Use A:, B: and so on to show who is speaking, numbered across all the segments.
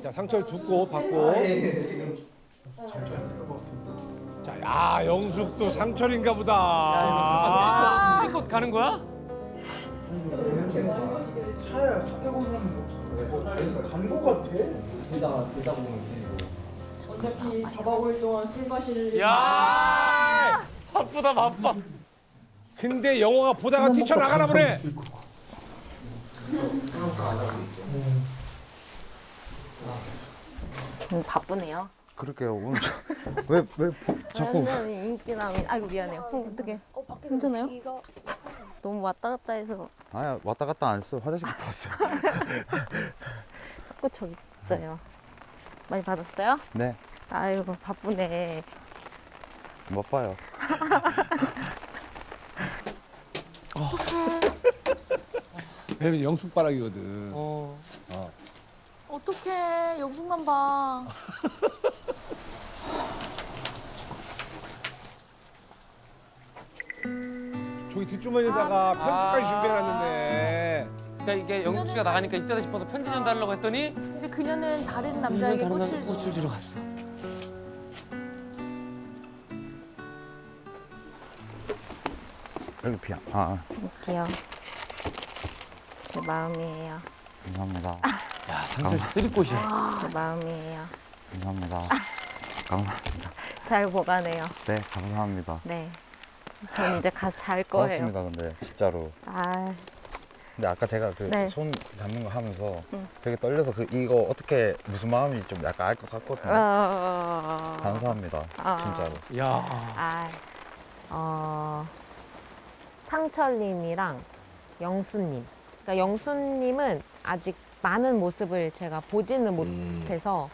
A: 자, 상철 두고 받고. 자, 야, 영숙도 상철인가 보다.
B: 곧 가는 거야?
C: 차야 차 타고 오면 간거 같아.
D: 되다 보면
E: 어차피 4박 5일 동안 술 마실
B: 야! 바쁘다 바빠.
A: 근데 영호가 보다가 뛰쳐나가나 보네.
F: 바쁘네요.
G: 그럴게요. 오늘 왜 자꾸
F: 완전히 인기남이. 아이고 미안해요. 어떡해. 괜찮아요? 너무 왔다 갔다 해서
G: 아야 왔다 갔다 안 했어. 화장실 갔다 왔어요.
F: 자꾸 저기 있어요. 많이 받았어요?
G: 네,
F: 아이고 바쁘네.
G: 못 봐요.
A: 왜냐면 영숙바락이거든.
H: 어떡해. 영숙만 봐.
A: 저기 뒷주머니에다가 편지까지 준비해놨는데.
B: 그러니까 이게 영숙 씨가 나가니까 이때다 싶어서 편지 전달하려고 했더니
H: 근데 그녀는 다른 남자에게 꽃을 주.
B: 주러 갔어.
G: 여기 비야.
F: 할게요. 제 마음이에요.
G: 감사합니다.
B: 야, 상철 씨 쓰리꽃이야.
F: 제 마음이에요.
G: 감사합니다. 감사합니다.
F: 잘 보관해요.
G: 네, 감사합니다.
F: 네. 전 이제 가서 잘 거예요.
G: 고맙습니다. 근데 진짜로.
F: 아,
G: 근데 아까 제가 그
F: 네.
G: 손 잡는 거 하면서
F: 응.
G: 되게 떨려서 이거 어떻게 무슨 마음인지 좀 약간 알 것 같거든요. 감사합니다. 진짜로.
B: 야.
F: 상철님이랑 영수님. 그러니까 영수님은 아직 많은 모습을 제가 보지는 못해서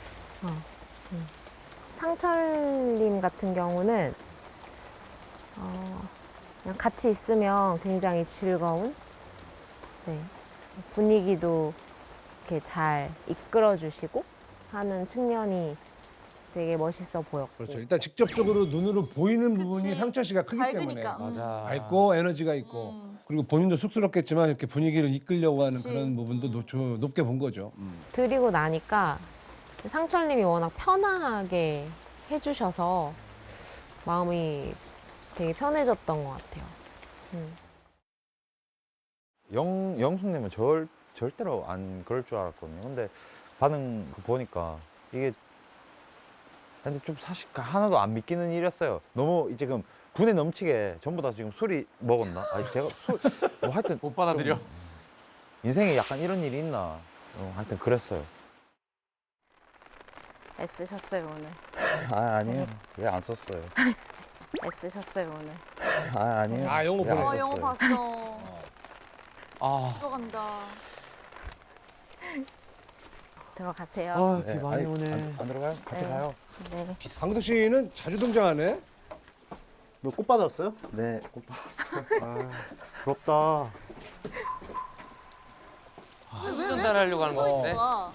F: 상철님 같은 경우는 그냥 같이 있으면 굉장히 즐거운 네, 분위기도 이렇게 잘 이끌어주시고 하는 측면이 되게 멋있어 보였고
A: 그렇죠. 일단 직접적으로 눈으로 보이는 부분이
H: 그치.
A: 상철 씨가 크기
H: 밝으니까.
A: 때문에.
B: 맞아.
A: 밝고 에너지가 있고. 그리고 본인도 쑥스럽겠지만 이렇게 분위기를 이끌려고 하는
H: 그치.
A: 그런 부분도 높게 본 거죠.
F: 드리고 나니까 상철님이 워낙 편하게 해주셔서 마음이 되게 편해졌던 것 같아요.
G: 영숙님은 절대로 안 그럴 줄 알았거든요. 근데 반응 보니까 이게 근데 좀 사실 하나도 안 믿기는 일이었어요. 너무 지금 분에 넘치게 전부 다 지금 술이 먹었나? 아니 제가 뭐 하여튼
B: 못 받아들여.
G: 인생에 약간 이런 일이 있나? 하여튼 그랬어요.
F: 애쓰셨어요 오늘.
G: 아니에요. 왜 안 썼어요?
F: 애쓰셨어요 오늘.
G: 아니에요.
A: 아, 영어
G: 왜안
A: 보냈어.
H: 영어 봤어.
B: 아.
H: 들어간다.
F: 들어가세요.
G: 비 많이 오네. 안 들어가요? 같이
F: 네.
G: 가요.
F: 네.
A: 강석 씨는 자주 등장하네.
D: 너 꽃 받았어요?
G: 네, 꽃 받았어요.
D: 아, 부럽다.
H: 왜
B: 전달하려고 하는 거
H: 서 있는
B: 같은데?
H: 거야?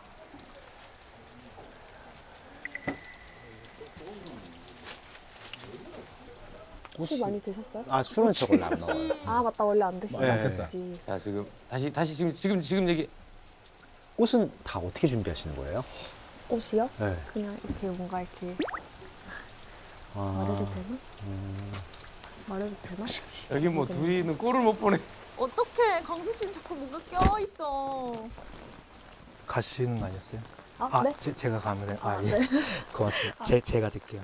I: 술 많이 드셨어요?
D: 아, 술은 저 원래 안 먹어요.
H: 그치.
I: 아 맞다 원래 안
D: 네.
I: 드시지.
B: 자 지금 다시 지금 얘기.
D: 꽃은 다 어떻게 준비하시는 거예요?
I: 꽃이요?
D: 네.
I: 그냥 이렇게 뭔가 이렇게
D: 아,
I: 말해도 되나? 말해도 되나?
B: 여기 뭐 둘이는 꼴을 못 보네.
H: 어떡해. 강수 씨는 자꾸 뭔가 껴있어.
J: 가시는 거 아니었어요?
I: 아, 네?
J: 제가 가면 돼요. 아, 예.
I: 네.
J: 고맙습니다. 제가 드릴게요.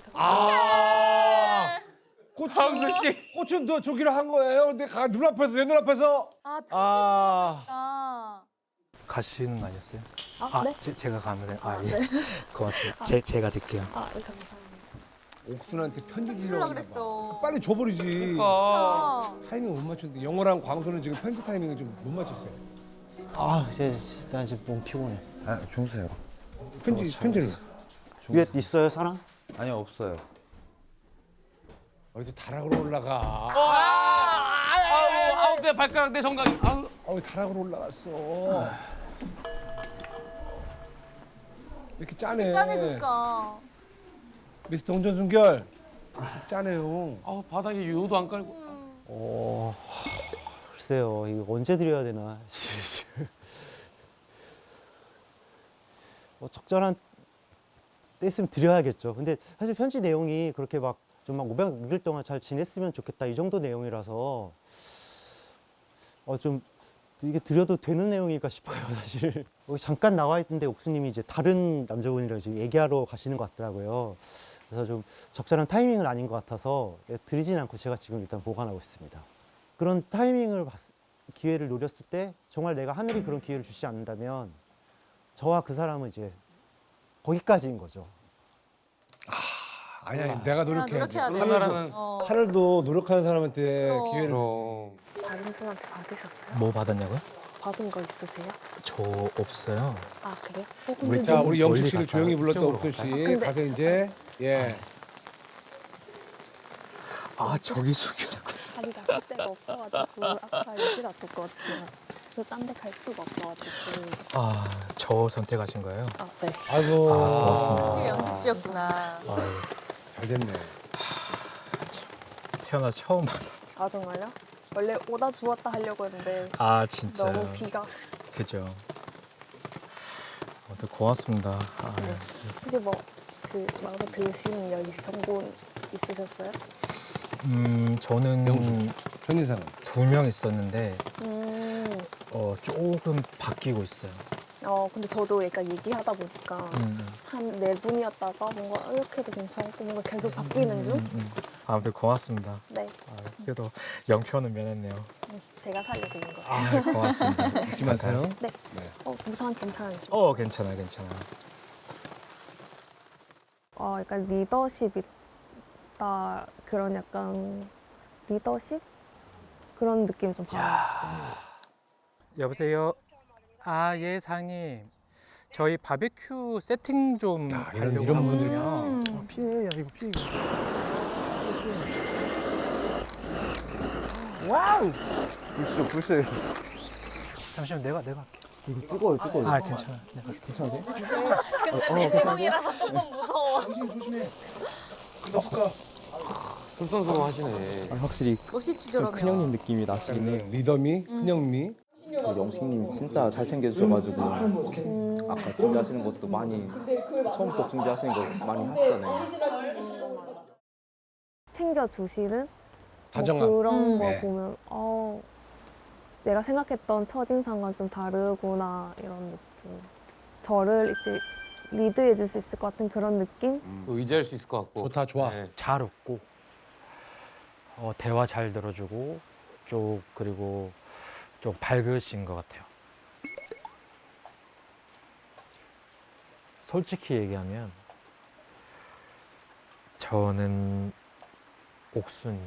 A: 아,
B: 강석 씨.
A: 꽃은 너 주기로 한 거예요. 근데 눈앞에서 내 눈앞에서.
H: 아, 편지
A: 아,
H: 아.
J: 가시는 거 아니었어요?
I: 아, 네?
J: 제가 가면 돼요. 아,
I: 아,
J: 예.
I: 네.
J: 고맙습니다. 제가 드릴게요.
I: 아, 감사합니다.
A: 옥순한테 편지
H: 주려고
A: 주려고
H: 그랬어.
A: 빨리 줘버리지.
B: 그러니까.
A: 타이밍 못 맞췄는데 영호랑 광수는 지금 편지 타이밍을 좀 못 맞췄어요.
D: 아, 나 지금 너무 피곤해.
G: 주무세요.
A: 편지를.
D: 위에 있어요, 사람?
G: 아니요, 없어요.
A: 어디서 다락으로 올라가.
B: 아우 내 발가락 내 정강이. 아우.
A: 다락으로 올라갔어. 왜 이렇게 짜네.
H: 짜네, 그니까.
A: 미스터 운전순결. 이렇게 짜네요.
B: 아우 바닥에 유호도 안 깔고.
D: 글쎄요, 이거 언제 드려야 되나. 적절한 때 있으면 드려야겠죠. 근데 사실 편지 내용이 그렇게 막 좀 막 500일 동안 잘 지냈으면 좋겠다 이 정도 내용이라서 좀 이게 드려도 되는 내용일까 싶어요, 사실. 여기 잠깐 나와 있는데 옥수님이 이제 다른 남자분이랑 지금 얘기하러 가시는 것 같더라고요. 그래서 좀 적절한 타이밍은 아닌 것 같아서 드리진 않고 제가 지금 일단 보관하고 있습니다. 그런 타이밍을 기회를 노렸을 때 정말 내가 하늘이 그런 기회를 주지 않는다면 저와 그 사람은 이제 거기까지인 거죠.
A: 아니 내가 노력해야 돼.
F: 노력해야 돼.
B: 하나라는
A: 하늘도 노력하는 사람한테
F: 그럼.
A: 기회를
B: 그럼
I: 다른 분한테 받으셨어요?
J: 뭐 받았냐고요?
I: 받은 거 있으세요?
J: 저 없어요.
I: 아 그래요?
J: 우리
A: 자,
J: 좀
A: 우리 영숙
J: 멀리
A: 씨를
J: 갈까요?
A: 조용히 불렀던
J: 이쪽으로
A: 옥수 씨
J: 갈까요?
A: 가서 이제 예.
J: 아 저기 숙이라고.
I: 자리가 할 데가 없어가지고 아까 여기다 뒀거든요. 그래서 딴 데 갈 수가 없어가지고.
J: 아 저 선택하신 거예요?
I: 아 네.
A: 아이고.
J: 고맙습니다.
F: 역시 영숙 씨였구나.
J: 아유,
A: 잘 됐네.
J: 태어나 처음 받아.
I: 아 정말요? 원래 오다 주웠다 하려고 했는데
J: 아 진짜.
I: 너무 비가.
J: 그죠. 아무튼 고맙습니다. 아,
I: 네. 혹시 뭐 그 마음에 드시는 여성분 있으셨어요?
J: 저는
A: 현인상은
J: 2명 있었는데
I: 음.
J: 조금 바뀌고 있어요.
I: 근데 저도 약간 얘기하다 보니까 한 4분이었다가 뭔가 이렇게 해도 괜찮고 뭔가 계속 바뀌는 중?
J: 아무튼 고맙습니다.
I: 네.
J: 아, 그래도 영표는 면했네요.
I: 제가 살려드린 거예요.
J: 아 고맙습니다.
A: 잊지 마세요.
I: 네. 우선 괜찮으시
J: 괜찮아요, 괜찮아요.
I: 약간 리더십 있다 그런 약간 리더십 그런 느낌 좀 받았어요.
J: 여보세요. 아, 예, 사장님. 저희 바베큐 세팅 좀 하려고
A: 이런
J: 하거든요. 피해요, 이거 피해.
C: 와우. 불쇼.
J: 잠시만, 내가 할게.
C: 이거 뜨거워요.
J: 아, 괜찮아. 내가 할게.
C: 괜찮은데?
F: 근데 내 제목이라서 조금 무서워.
B: 솔선수범 하시네.
C: 확실히
F: 멋있지
C: 좀
F: 저러면.
C: 큰형님 느낌이 나시긴 해요.
A: 리더미, 큰형미.
C: 영숙님이 진짜 잘 챙겨주셔가지고 아까 준비하시는 것도 많이 처음부터 준비하시는 거 많이 하셨잖아요.
I: 챙겨주시는
A: 다정함.
I: 그런 거
A: 네.
I: 보면 내가 생각했던 첫인상과 좀 다르구나 이런 느낌. 저를 이제 리드해 줄 수 있을 것 같은 그런 느낌?
B: 의지할 수 있을 것 같고.
A: 좋다, 좋아.
B: 네.
G: 잘 웃고 대화 잘 들어주고 그리고 좀 밝으신 것 같아요. 솔직히 얘기하면 저는 옥순이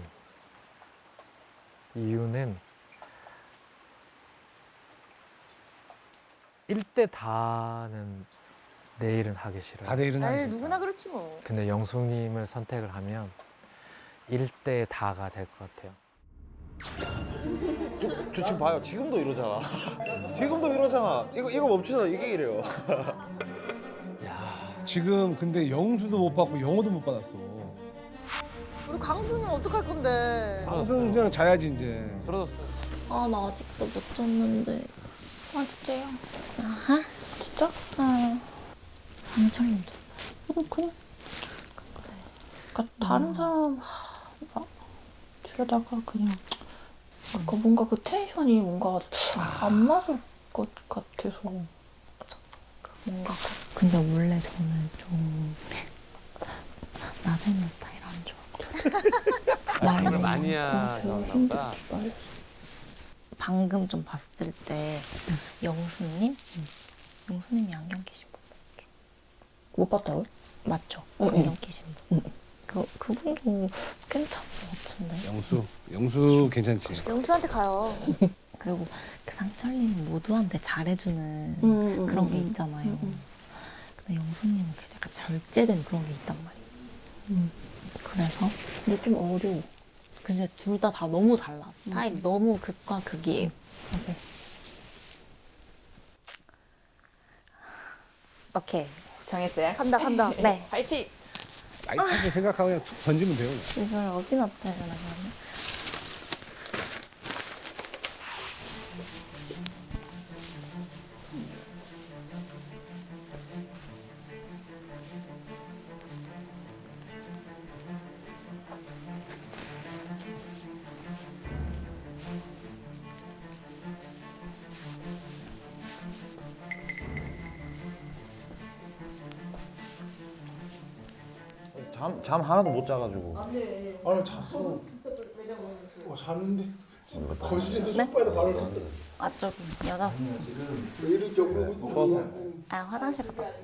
G: 이유는 1대 다는 내일은 하기 싫어요.
A: 다들 일어나니까.
F: 에이 누구나 그렇지 뭐.
G: 근데 영숙님을 선택을 하면 1대 다가 될 것 같아요.
K: 저 지금 봐요. 지금도 이러잖아. 지금도 이러잖아. 이거 멈추잖아. 이게 이래요.
A: 지금 근데 영수도 못 받고 영어도 못 받았어.
F: 우리 광수는 어떡할 건데?
A: 무슨 그냥 자야지 이제.
B: 쓰러졌어.
H: 아, 나 아직도 못 줬는데. 아, 진짜요? 아하? 진짜? 응. 강철님 줬어요. 그냥. 그래. 그러니까 다른 사람, 뒤에다가 그냥. 뭔가 그 텐션이 뭔가 안 맞을 것 같아서. 뭔가. 근데 원래 저는 좀 나대는 스타일 안 좋아하고.
B: 말을 많이 하나 보다.
H: 방금 좀 봤을 때 영수님? 영수님이 안경 끼신 분 맞죠? 못 봤다고요? 맞죠? 안경 끼신 분. 그분도 괜찮은 것 같은데.
A: 영수 괜찮지.
F: 영수한테 가요.
H: 그리고 그 상철님은 모두한테 잘해주는 그런 게 있잖아요. 근데 영수님은 그 약간 절제된 그런 게 있단 말이에요. 그래서 근데 좀 어려워. 근데 둘 다 너무 달라. 스타일이 너무 극과 극이에요. 오케이. 정했어요?
F: 간다.
H: 네.
F: 파이팅.
A: 라이트하게 생각하고 그냥 툭 던지면 돼요.
H: 이걸 어디 놨다 해야 되나 그러면?
G: 잠 하나도 못 자가지고.
C: 아니 잤어. 잤는데 거실에서 소파에다 발을 놨어.
H: 아 저기 여자.
C: 왜 이렇게 오르고 있어?
H: 아 화장실 갔다 왔어요.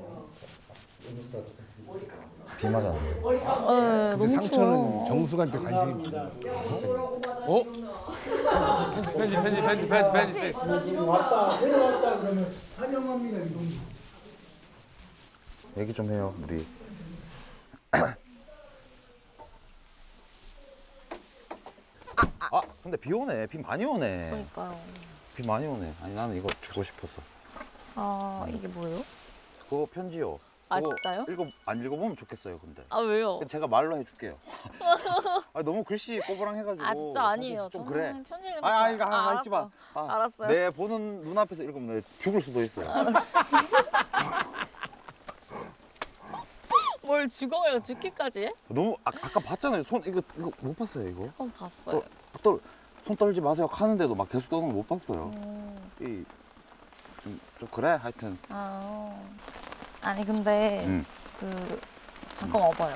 G: 비 맞았는데.
H: 너무
A: 근데 상처는
H: 추워.
A: 정숙한테 관심이 있다.
B: 어? 편지.
C: 왔다 내려왔다 그러면 환영합니다 이런.
K: 얘기 좀 해요 우리. 아 근데 비 오네. 비 많이 오네.
H: 그러니까요.
K: 비 많이 오네. 아니 나는 이거 주고 싶어서.
H: 아 이게 뭐예요?
K: 그거 편지요.
H: 아,
K: 그거
H: 진짜요?
K: 안 읽어보면 좋겠어요 근데.
H: 아 왜요?
K: 제가 말로 해줄게요. 아, 너무 글씨 꼬부랑해가지고.
H: 아 진짜 아니에요.
K: 좀
H: 저는
K: 그래.
H: 편지 읽는
K: 아,
H: 거
K: 이거 읽지 마. 아,
H: 알았어요.
K: 내 보는 눈앞에서 읽으면 내 죽을 수도 있어요.
H: 뭘 죽어요? 죽기까지 해?
K: 너무 아까 봤잖아요. 손 이거 못 봤어요 이거.
H: 봤어요.
K: 손 떨지 마세요 하는데도 막 계속 떠는 거 못 봤어요. 좀 그래 하여튼.
H: 아니 근데 그 잠깐 와봐요.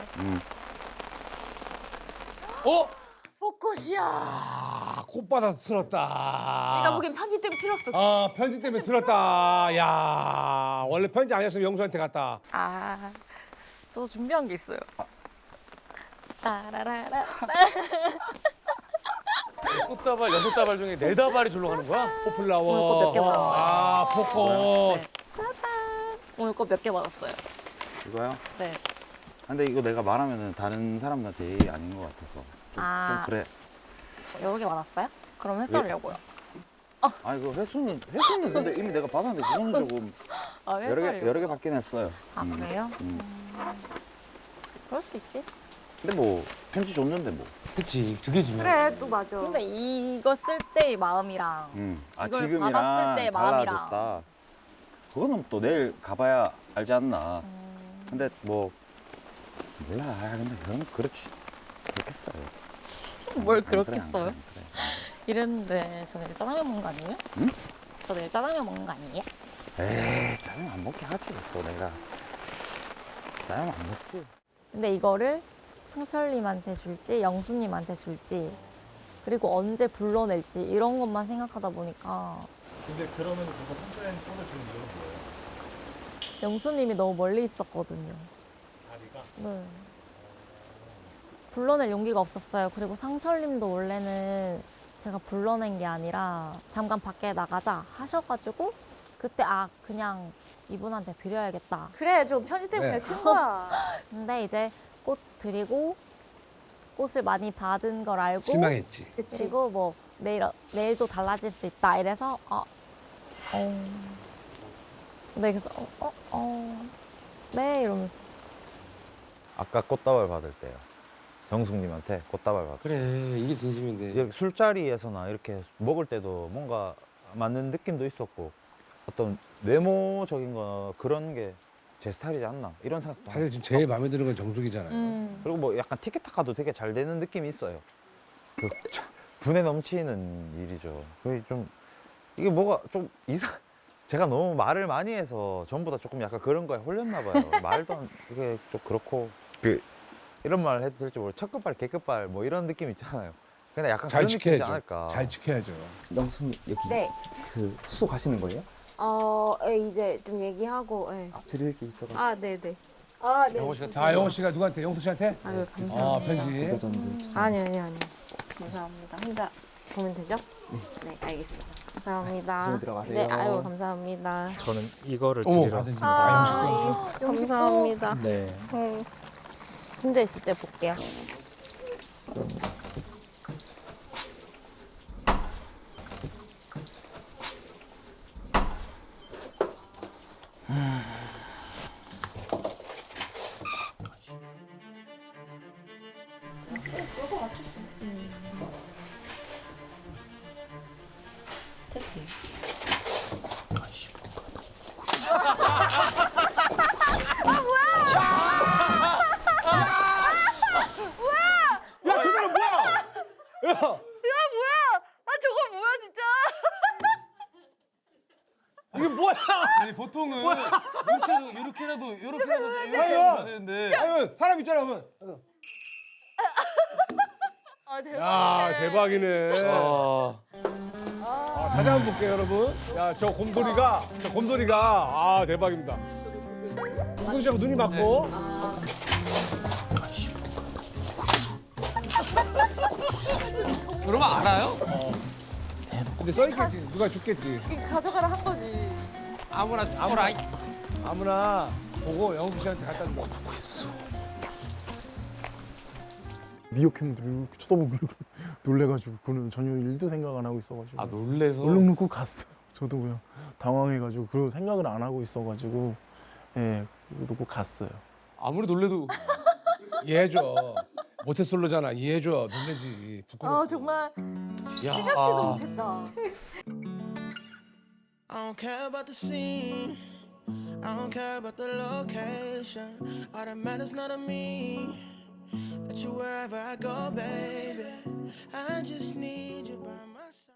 F: 벚꽃이야.
A: 아, 콧바닥 틀었다.
F: 내가 보기엔 편지 때문에 틀었어.
A: 아, 편지 때문에 틀었다. 야, 원래 편지 아니었으면 영수한테 갔다.
H: 저 준비한 게 있어요. 따라라라.
B: 꽃다발 6다발 중에 4다발이 절로 가는 거야?
A: 포플라워.
H: 오늘 꽃 몇 개 받았어요.
A: 아, 폭꽃.
H: 네. 짜잔. 오늘 꽃 몇 개 받았어요.
K: 이거요?
H: 네.
K: 근데 이거 내가 말하면은 다른 사람한테 예의 아닌 것 같아서 좀 그래.
H: 여러 개 받았어요? 그럼 회수하려고요.
K: 아 이거 회수는 근데 이미 내가 받았는데 그거는 조금 여러 개 받긴 했어요.
H: 그래요? 그럴 수 있지.
K: 근데 뭐 편지 줬는데 뭐.
A: 그치, 그게 중요해.
F: 그래 또 맞아.
H: 근데 이거 쓸 때의 마음이랑 이걸
K: 지금이랑
H: 받았을 때의 마음이랑.
K: 달라졌다. 그거는 또 내일 가봐야 알지 않나. 근데 뭐 몰라. 근데 그건 그렇겠어요.
H: 뭘
K: 그래,
H: 그렇게
K: 안
H: 써요?
K: 그래, 그래.
H: 이랬는데 저 내일 짜장면 먹는 거 아니에요?
K: 응?
H: 저 내일 짜장면 먹는 거 아니에요?
K: 에이 짜장면 안 먹게 하지 또 내가. 짜장면 안 먹지.
H: 근데 이거를 상철님한테 줄지 영수님한테 줄지 그리고 언제 불러낼지 이런 것만 생각하다 보니까
K: 근데 그러면 누가 상처에는 꽂아주는 이유는 뭐예요?
H: 영수님이 너무 멀리 있었거든요.
K: 다리가?
H: 네. 불러낼 용기가 없었어요. 그리고 상철님도 원래는 제가 불러낸 게 아니라 잠깐 밖에 나가자 하셔가지고 그때 그냥 이분한테 드려야겠다.
F: 그래 좀 편지 때문에
A: 네.
F: 튼 거야.
H: 근데 이제 꽃 드리고 꽃을 많이 받은 걸 알고
A: 실망했지.
F: 그치.
H: 그리고 뭐 내일도 달라질 수 있다 이래서 네 그래서 네 이러면서
G: 아까 꽃다발 받을 때요. 영숙님한테 꽃다발 받을 때.
B: 그래, 이게 진심인데.
G: 이렇게 술자리에서나 이렇게 먹을 때도 뭔가 맞는 느낌도 있었고 어떤 외모적인 거 그런 게 제 스타일이지 않나 이런 생각도
A: 사실 지금 제일 마음에 드는 건 정숙이잖아요.
G: 그리고 뭐 약간 티켓타카도 되게 잘 되는 느낌이 있어요. 분에 넘치는 일이죠. 그게 좀 이게 뭐가 좀 제가 너무 말을 많이 해서 전부 다 조금 약간 그런 거에 홀렸나 봐요. 말도 이게 좀 그렇고 이런 말 해도 될지 모르겠어요. 첫 끝발, 개끝발 뭐 이런 느낌 있잖아요. 근데 약간
A: 잘
G: 그런 느낌이지
A: 지켜야죠.
G: 않을까.
A: 잘 지켜야죠.
L: 영수님 여기
F: 네.
L: 그 수소 가시는 거예요?
F: 이제 좀 얘기하고.
L: 드릴 게 있어가지고.
F: 네네. 네.
B: 영호 씨가
A: 아, 영호 씨가 누구한테? 영숙 씨한테?
F: 아유 감사합니다.
A: 편지.
F: 아니요. 감사합니다. 혼자 보면 되죠? 네 알겠습니다. 감사합니다.
L: 조심히 들어가세요.
F: 네 아유 감사합니다.
J: 저는 이거를
A: 어머,
J: 드리러
A: 받으십니다.
J: 왔습니다.
F: 감사합니다.
J: 네.
F: 혼자 있을 때 볼게요.
H: 스태프.
A: 야, 저 사람 뭐야? 야,
H: 저거 뭐야 진짜?
A: 이게 뭐야?
B: 아니, 보통은 눈치 요렇게라도
A: 해야
B: 되는데.
A: 아유 사람 있잖아 그러면.
F: 아
A: 야 대박이네. 다시 한번 볼게요 여러분. 야 저 곰돌이가 아 대박입니다. 우승 씨하고 눈이 맞고.
B: 그러면 알아요?
A: 근데 써있겠지. 누가 죽겠지.
F: 가져가라 한 거지.
B: 아무나 죽어라.
A: 아무나 보고 영숙 씨한테 갖다 줘.
M: 미역캠들이 이렇게 쳐다보고 놀래가지고 그는 전혀 일도 생각 안 하고 있어가지고.
B: 아 놀래서?
M: 얼른 놓고 갔어요. 저도 그냥 당황해가지고 그런 생각을 안 하고 있어가지고 예 놓고 갔어요.
B: 아무리 놀래도
A: 이해해줘. 모태솔로잖아. 이해해줘. 놀래지. 부끄럽고.
F: 아 정말
B: 야.
F: 생각지도 못했다.
N: I don't care about the scene. I don't care about the location. All that matters not to me. That you wherever I go, baby. I just need you by my